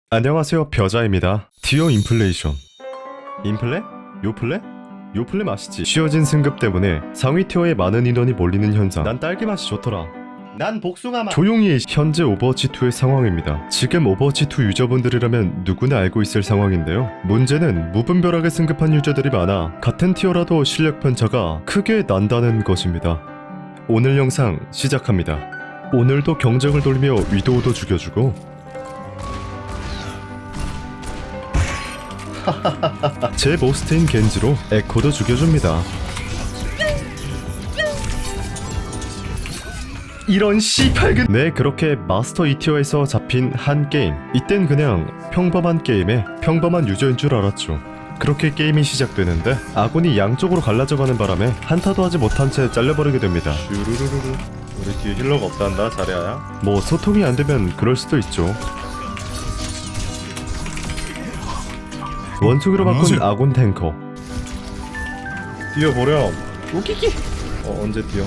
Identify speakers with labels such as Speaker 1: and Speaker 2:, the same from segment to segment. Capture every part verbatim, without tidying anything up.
Speaker 1: 안녕하세요, 벼자입니다. 티어 인플레이션. 인플레? 요플레? 요플레 맛이지. 쉬어진 승급 때문에 상위 티어에 많은 인원이 몰리는 현상. 난 딸기 맛이 좋더라. 난 복숭아 맛. 조용히 해. 현재 오버워치이의 상황입니다. 지금 오버워치 이 유저분들이라면 누구나 알고 있을 상황인데요. 문제는 무분별하게 승급한 유저들이 많아 같은 티어라도 실력 편차가 크게 난다는 것입니다. 오늘 영상 시작합니다. 오늘도 경쟁을 돌리며 위도우도 죽여주고 제 모스트인 겐지로 에코도 죽여줍니다. 이런 씨팔근. 네, 그렇게 마스터 이 티어에서 잡힌 한 게임. 이땐 그냥 평범한 게임에 평범한 유저인 줄 알았죠. 그렇게 게임이 시작되는데 아군이 양쪽으로 갈라져가는 바람에 한타도 하지 못한 채 잘려버리게 됩니다. 슈루루루루. 우리 뒤에 힐러가 없단다, 자리아야. 뭐 소통이 안 되면 그럴 수도 있죠. 원숭이로 바꾼 아군 탱커. 뛰어보렴. 우기기. 어, 언제 뛰어?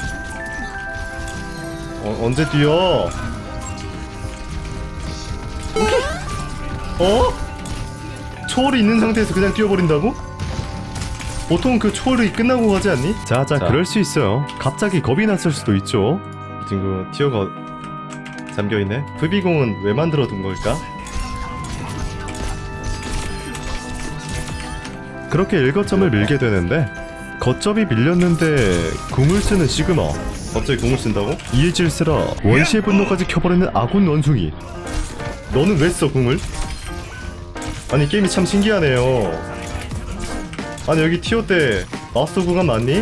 Speaker 1: 어, 언제 뛰어? 우기. 어? 초월이 있는 상태에서 그냥 뛰어버린다고? 보통 그 초월이 끝나고 가지 않니? 자자, 자. 그럴 수 있어요. 갑자기 겁이 났을 수도 있죠. 이 친구 티어가 잠겨있네. 브이비공은 왜 만들어둔 걸까? 그렇게 일거점을 밀게 되는데 거점이 밀렸는데 궁을 쓰는 시그마. 갑자기 궁을 쓴다고? 이에 질세라 원시의 분노까지 켜버리는 아군 원숭이. 너는 왜 써 궁을? 아니 게임이 참 신기하네요. 아니 여기 티어 때 마스터 구간 맞니?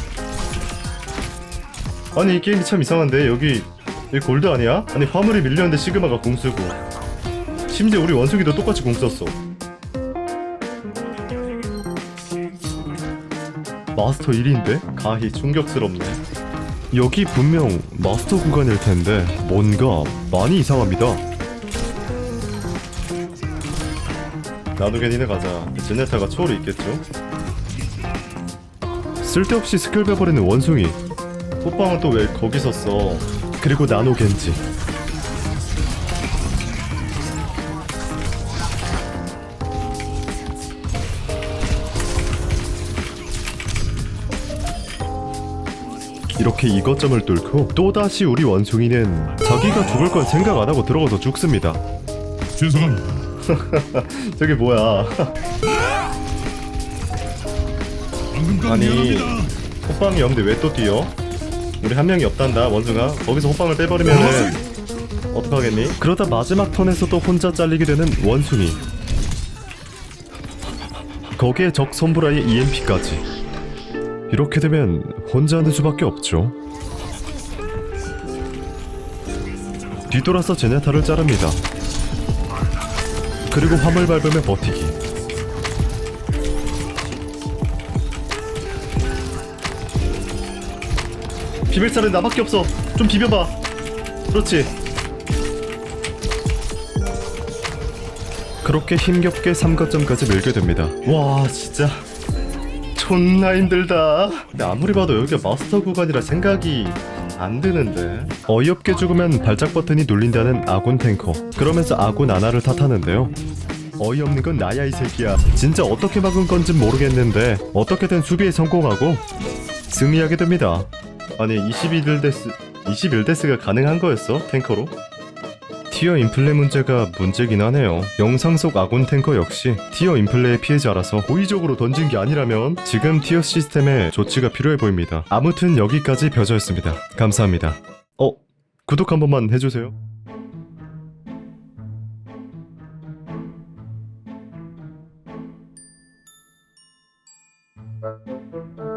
Speaker 1: 아니 이 게임이 참 이상한데 여기 여기 골드 아니야? 아니 화물이 밀렸는데 시그마가 궁 쓰고 심지어 우리 원숭이도 똑같이 궁 썼어. 마스터 일인데? 가히 충격스럽네. 여기 분명 마스터 구간일 텐데 뭔가 많이 이상합니다. 나도 괜히네 가자. 제네타가 초월이 있겠죠? 쓸데없이 스킬 빼버리는 원숭이. 호빵은 또 왜 거기서 써? 그리고 나노 겐지. 이렇게 이거점을 뚫고 또다시 우리 원숭이는 자기가 죽을 건 생각 안 하고 들어가서 죽습니다.
Speaker 2: 죄송합니다.
Speaker 1: 저게 뭐야? 아니 호빵이 없는데 왜 또 뛰어? 우리 한 명이 없단다 원숭아. 거기서 호빵을 빼버리면은 어떡하겠니? 그러다 마지막 턴에서도 혼자 잘리게 되는 원숭이. 거기에 적 손브라의 이엠피까지. 이렇게 되면 혼자 하는 수밖에 없죠. 뒤돌아서 제네타를 자릅니다. 그리고 화물 밟으며 버티기. 비빌살은 나밖에 없어. 좀 비벼봐. 그렇지. 그렇게 힘겹게 삼 거점까지 밀게 됩니다. 와 진짜 존나 힘들다. 근데 아무리 봐도 여기가 마스터 구간이라 생각이 안 드는데. 어이없게 죽으면 발작 버튼이 눌린다는 아군 탱커. 그러면서 아군 아나를 탓하는데요. 어이없는 건 나야 이 새끼야. 진짜 어떻게 막은 건진 모르겠는데 어떻게든 수비에 성공하고 승리하게 됩니다. 아니 이십일 데스 이십일 데스가 가능한 거였어? 탱커로? 티어 인플레 문제가 문제긴 하네요. 영상 속 아군 탱커 역시 티어 인플레의 피해자라서 호의적으로 던진 게 아니라면 지금 티어 시스템에 조치가 필요해 보입니다. 아무튼 여기까지 벼저였습니다. 감사합니다. 어? 구독 한 번만 해주세요.
Speaker 3: Thank you.